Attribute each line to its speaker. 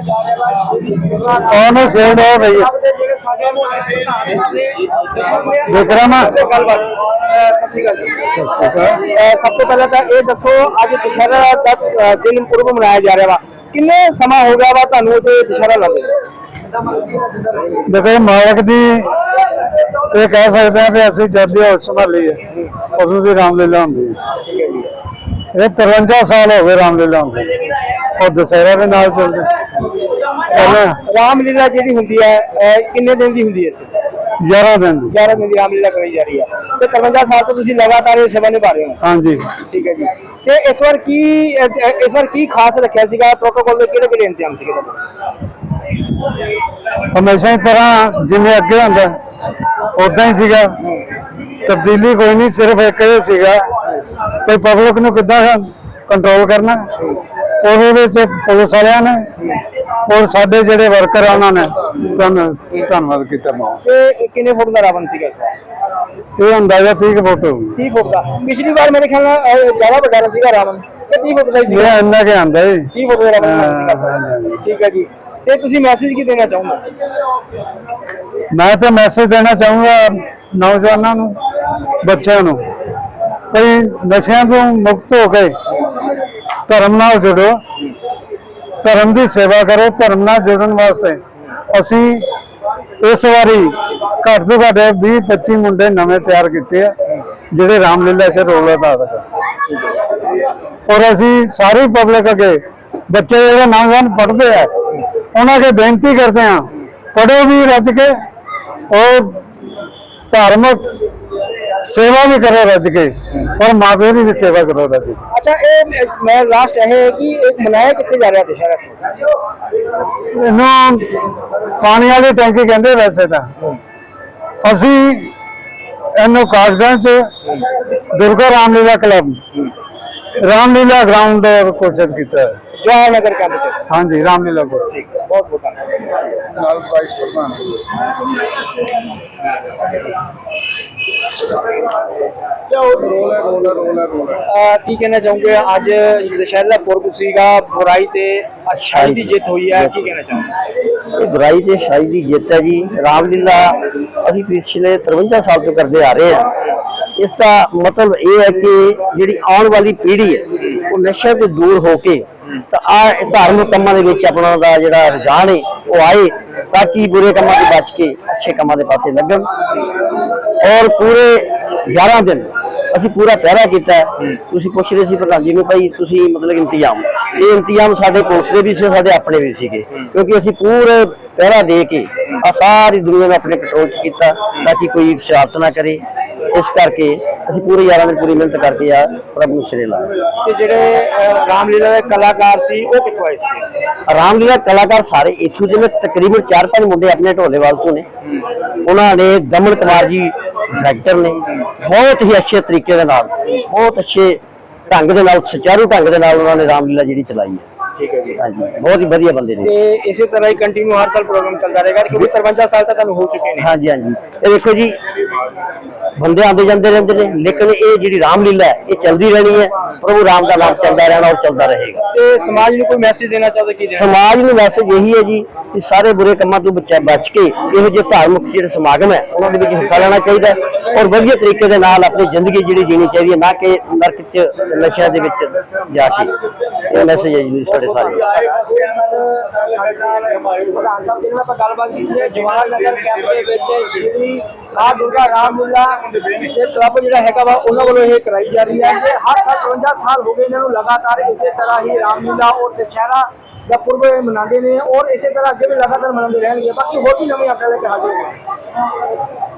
Speaker 1: कौन सेड है भैया विक्रम
Speaker 2: सब तो पहले तो ये दसो अज दशहरा का दिन पूर्व मनाया जा रहा वा किन्ने समा हो गया वा तुहानू इत्थे दशहरा लाते
Speaker 1: देखो मालक दी ये कह सकते हैं कि असं जब भी होश संभाली है उस दी रामलीला होंगी ये 53 साल हो गए रामलीला होंगी और दशहरा के नाल चलते
Speaker 2: रामलीला जी होंगी है किन्ने दिन की होंगी है
Speaker 1: 11 दिन
Speaker 2: 11 दिन की रामलीला कराई जा रही है तो 53 साल तो तुसीं लगातार ये सेवा निभा रहे हो
Speaker 1: हाँ जी
Speaker 2: ठीक है जी ते इस बार की खास रखा सीगा प्रोटोकॉल के किहड़े इंतजाम सीगे
Speaker 1: हमेशा की तरह जिवें अगे होंदा उदां ही सीगा तब्दीली कोई नहीं सिर्फ एक ही सीगा कोई पब्लिक नूं किद्दां कंट्रोल करना और पुलिस वाले ने और साडे जिहड़े वर्कर आ उन्होंने धन्नवाद किया बहुत
Speaker 2: किन्ने फुट का रावण सीगा इस बार
Speaker 1: ये अंदाजा 30 फुट
Speaker 2: 30 फुट का पिछली बार मेरे ख्याल ज्यादा बड़ा सीगा रावण 30 फुट का ही सीगा
Speaker 1: इन्ना के आंदा जी
Speaker 2: 30 फुट का रावण ठीक है जी ते तुसीं मैसेज की देना चाहुंगा
Speaker 1: मैं तो मैसेज देना चाहूँगा नौजवानों नूं बच्चों नूं कोई नशियां तो मुक्त हो गए धर्म नाल जुड़ो धर्म की सेवा करो धर्म नाल जुड़न वास्ते असी इस बारी घट तो घट 20-25 मुंडे नवे तैयार किए जिहड़े रामलीला च रोल अदा कर और असी सारी पब्लिक अगे बच्चे जो नौजवान पढ़ते हैं उन्होंने बेनती करते हैं पढ़ो भी रज के और धार्मिक सेवा भी करो रज के और माँ प्यो की भी सेवा करो रज के।
Speaker 2: अच्छा ये मैं लास्ट है कि एक मनाया कितने जा रहा दशहरा
Speaker 1: इनू पानी वाली टैंकी कहते वैसे तो असी इनू कागजां च दुर्गा रामलीला क्लब रामलीला ग्राउंड घोषित किया है
Speaker 2: जवाहर नगर कैंप च
Speaker 1: हाँ जी रामलीला को
Speaker 2: बहुत बहुत की कहना चाहूंगे अज दशहरा पुरब सीगा बुराई ते अच्छाई की जित हुई है की कहना चाहूंगे
Speaker 3: बुराई ते अच्छाई की जित है जी रामलीला अभी पिछले 53 साल तो करते आ रहे हैं इसका मतलब ये है कि जी आने वाली पीढ़ी है वो नशे तो दूर होके धार्मिक कामों के अपना जो रुझान है वो आए ताकि बुरे कामों से बच के अच्छे कामों के पासे लगन और पूरे 11 दिन असी पूरा पहरा किया पूछ रहे थे प्रधान जी ने भाई मतलब इंतजाम ये इंतजाम साढ़े पुलिस के भी से साढ़े अपने भी थे क्योंकि असी पूरे पहरा दे के सारी दुनिया में अपने कंट्रोल किया ताकि कोई शरारत ना करे इस करके असी पूरे 11 दिन पूरी मेहनत करके आ प्रभु सिरे लाए
Speaker 2: जेडे रामलीला के कलाकार सी वो कित्थों आए सी
Speaker 3: रामलीला कलाकार सारे इत्थों के तकरीबन 4-5 मुंडे अपने ढोलेवाल तो ने उन्होंने दमन कुमार जी डायरेक्टर ने बहुत ही अच्छे तरीके के नाल बहुत अच्छे ढंग के नाल सुचारू ढंग के नाल उन्होंने रामलीला जी चलाई है
Speaker 2: ठीक है जी
Speaker 3: हाँ जी बहुत ही बढ़िया बंदे ने
Speaker 2: इसी तरह ही कंटिन्यू हर साल प्रोग्राम चलता रहेगा क्योंकि 53 साल तक हो चुके हैं
Speaker 3: हाँ जी ये देखो जी बंदे आते जाते रहते हैं लेकिन ये जी रामलीला है ये चलती रहनी है प्रभु राम का नाम चलता रहना और चलता रहेगा
Speaker 2: समाज को कोई मैसेज देना चाहते कि
Speaker 3: समाज में मैसेज यही है जी कि सारे बुरे कामों तो बच के यहो ਜਿਹੇ धार्मिक जो समागम है उन्होंने हिस्सा लेना चाहिए और वधिया तरीके के नाल अपनी जिंदगी जी जीनी चाहिए ना कि नरक च नशे के जाके ये मैसेज है जी साढ़े सारे
Speaker 2: जवाहर नगर कैंप दुर्गा रामलीला क्लब जो है कराई जा रही है हर 53 साल हो गए इन्होंने लगातार इसी तरह ही रामलीला और दशहरा का पूर्व मनाते हैं और इसी तरह अगे भी लगातार मनाते रहेंगे बाकी होर भी नवी अपने लेके हाजिर